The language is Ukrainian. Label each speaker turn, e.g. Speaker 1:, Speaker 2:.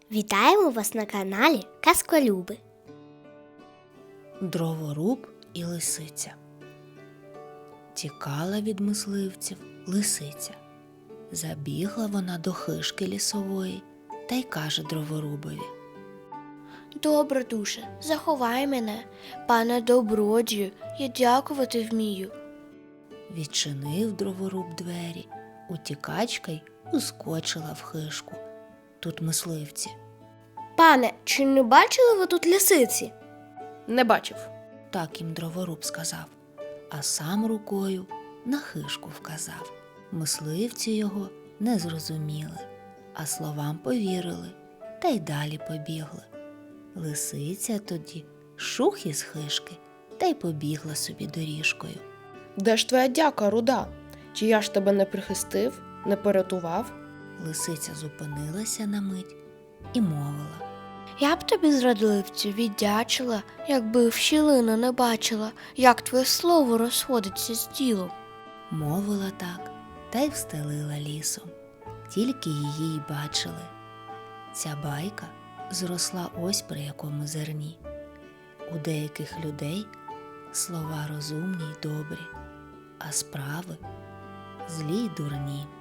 Speaker 1: Вітаємо вас на каналі Казколюби.
Speaker 2: Дроворуб і лисиця. Тікала від мисливців лисиця. Забігла вона до хижки лісової та й каже дроворубові:
Speaker 3: Добре, душе, заховай мене, пане добродію, я дякувати вмію.
Speaker 2: Відчинив дроворуб двері, утікачка й ускочила в хижку. Тут мисливці.
Speaker 3: Пане, чи не бачили ви тут лисиці?
Speaker 4: Не бачив.
Speaker 2: Так їм дроворуб сказав, а сам рукою на хижку вказав. Мисливці його не зрозуміли, а словам повірили та й далі побігли. Лисиця тоді шух із хижки та й побігла собі доріжкою.
Speaker 4: Де ж твоя дяка, руда? Чи я ж тебе не прихистив, не порятував?
Speaker 2: Лисиця зупинилася на мить і мовила:
Speaker 3: Я б тобі, зрадливцю, віддячила, якби в щілину не бачила, як твоє слово розходиться з ділом.
Speaker 2: Мовила так, та й встелила лісом. Тільки її й бачили. Ця байка зросла ось при якому зерні. У деяких людей слова розумні й добрі, а справи злі й дурні.